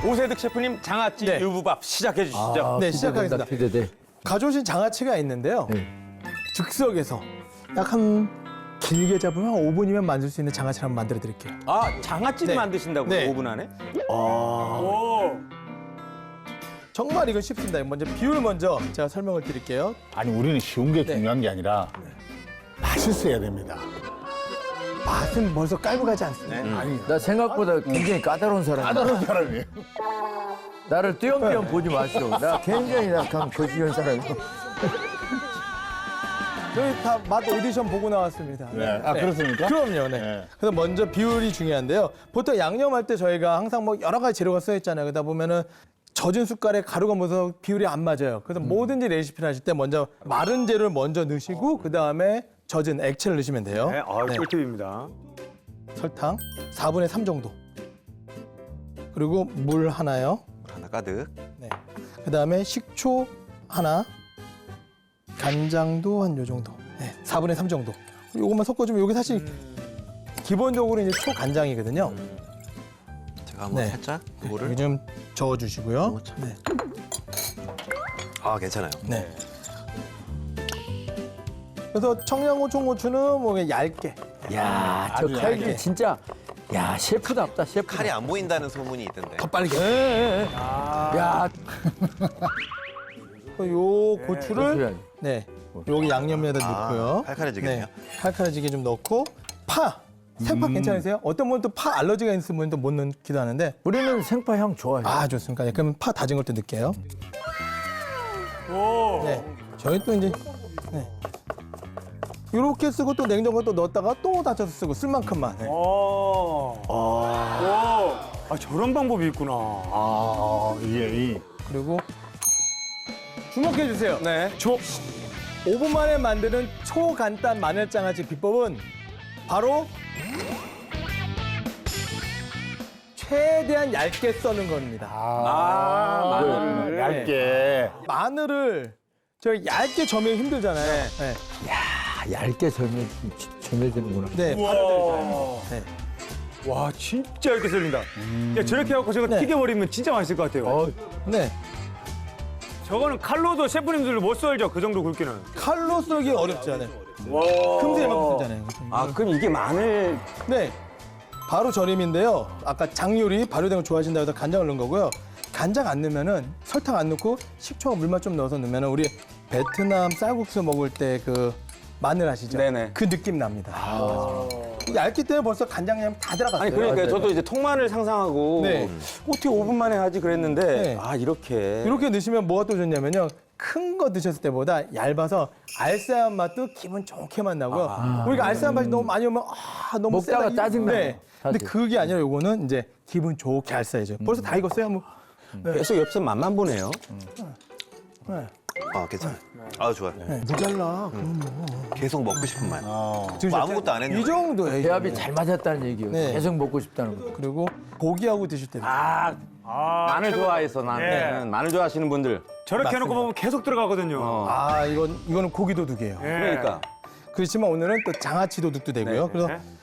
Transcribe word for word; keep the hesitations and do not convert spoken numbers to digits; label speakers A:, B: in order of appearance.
A: 오세득 셰프님 장아찌
B: 네.
A: 유부밥 시작해 주시죠.
C: 아,
B: 네,
C: 기대된다,
B: 시작하겠습니다.
C: 기대돼.
B: 가져오신 장아찌가 있는데요.
C: 네.
B: 즉석에서 약 한 길게 잡으면 한 오 분이면 만들 수 있는 장아찌를 한번 만들어 드릴게요.
A: 아, 장아찌를
B: 네.
A: 만드신다고요?
B: 네.
A: 오 분 안에?
B: 정말 이건 쉽습니다. 먼저 비율 먼저 제가 설명을 드릴게요.
D: 아니 우리는 쉬운 게
B: 네.
D: 중요한 게 아니라 맛있어야 됩니다.
B: 맛은 벌써 깔고 가지 않습니다.
A: 네.
D: 아니
C: 나 생각보다 굉장히 까다로운 사람이야.
D: 까다로운 사람이에요.
C: 나를 띄엄띄엄 보지 마시오. 나 굉장히 약간 거시기한 사람이야.
B: 저희 다 맛 오디션 보고 나왔습니다.
D: 네. 아 그렇습니까?
B: 그럼요. 네.
D: 네.
B: 그래서 먼저 비율이 중요한데요. 보통 양념할 때 저희가 항상 뭐 여러 가지 재료가 써 있잖아요. 그러다 보면은 젖은 숟갈에 가루가 묻어서 비율이 안 맞아요. 그래서 뭐든지 레시피를 하실 때 먼저 마른 재료를 먼저 넣으시고 그 다음에 젖은 액체를 넣으시면 돼요.
A: 네, 아,
B: 네.
A: 꿀팁입니다.
B: 설탕 사분의 삼 정도. 그리고 물 하나요.
E: 하나 가득.
B: 네. 그 다음에 식초 하나. 간장도 한 요 정도. 네. 사분의 삼 정도. 요것만 섞어주면 요게 사실 기본적으로 이제 초간장이거든요.
E: 제가 한번
B: 네.
E: 살짝 그거를.
B: 여기 좀 저어주시고요. 네.
E: 아 괜찮아요.
B: 네. 그래서 청양고추, 고추는 뭐 그냥 얇게.
C: 야, 저
D: 아주
C: 칼기
B: 얇게.
C: 진짜 야 셰프답다 셰프.
E: 칼이 안 보인다는 소문이 있던데.
B: 더 빨리.
C: 야,
B: 요 고추를
C: 고추를.
B: 네. 여기 양념에다
E: 아,
B: 넣고요.
E: 칼칼해지겠네요.
B: 네. 칼칼해지게 좀 넣고 파. 생파 괜찮으세요? 어떤 분은 또 파 알러지가 있는 분은 또 못 넣기도 하는데.
C: 우리는 생파 향 좋아해.
B: 아 좋습니까? 네, 그럼 파 다진 걸 또 넣을게요. 네. 저희 또 이제 네. 이렇게 쓰고 또 냉장고에 또 넣었다가 또 다져서 쓰고 쓸 만큼만. 네.
A: 오. 아. 아, 저런 방법이 있구나.
D: 아 이게 이
B: 그리고 주목해 주세요.
A: 네.
B: 조 오 분 만에 만드는 초간단 마늘장아찌 비법은 바로 최대한 얇게 써는 겁니다.
A: 아, 마늘을.
D: 얇게.
B: 마늘을 저 얇게 점이 힘들잖아요. 네.
C: 아, 얇게 절면 절면되는구나.
B: 네.
A: 와.
B: 네.
A: 와, 진짜 이렇게 썰린다. 야, 저렇게 해갖고 저거
B: 네.
A: 튀겨버리면 진짜 맛있을 것 같아요.
C: 어,
B: 네.
A: 저거는 칼로도 셰프님들도 못 썰죠, 그 정도 굵기는.
B: 칼로 썰기 어렵지 않아요.
A: 와.
B: 큼새만큼 쓰잖아요.
A: 아, 그럼 이게 마늘.
B: 네. 바로 절임인데요. 아까 장요리 발효된 거 좋아하신다고 해서 간장을 넣은 거고요. 간장 안 넣으면은 설탕 안 넣고 식초와 물만 좀 넣어서 넣으면은 우리 베트남 쌀국수 먹을 때 그 마늘 아시죠?
A: 네네.
B: 그 느낌 납니다. 얇기 때문에 벌써 간장향 다 들어갔어요.
A: 아니, 그러니까
C: 맞아요.
A: 저도 이제 통마늘 상상하고
B: 네.
A: 어떻게 오 분 만에 하지 그랬는데
B: 네.
A: 아, 이렇게.
B: 이렇게 넣으시면 뭐가 또 좋냐면요. 큰 거 드셨을 때보다 얇아서 알싸한 맛도 기분 좋게만 나고요. 우리가 알싸한 맛이 너무 많이 오면 아, 너무
C: 먹다가
B: 세다. 이-
C: 짜증나요,
B: 네. 근데
C: 사실.
B: 그게 아니라 요거는 이제 기분 좋게 알싸해져요. 벌써 다 익었어요. 뭐.
A: 계속 옆에서 맛만 보네요.
B: 네.
E: 아 괜찮아요. 아 좋아요.
B: 네. 모자라.
E: 계속 먹고 싶은 맛.
D: 어.
E: 뭐 아무것도 안 했는데.
B: 이 정도예요. 이
C: 배합이
B: 정도.
C: 잘 맞았다는 얘기예요.
B: 네.
C: 계속 먹고 싶다는 거.
B: 그리고 고기하고 드실 때.
A: 아, 마늘 좋아해서 나는
B: 네.
A: 마늘 좋아하시는 분들 저렇게 해놓고 보면 계속 들어가거든요.
B: 아 이건 이거는 고기 도둑이에요.
A: 그러니까.
B: 그렇지만 오늘은 또 장아찌 도둑도 되고요.
A: 네.
B: 그래서
A: 네.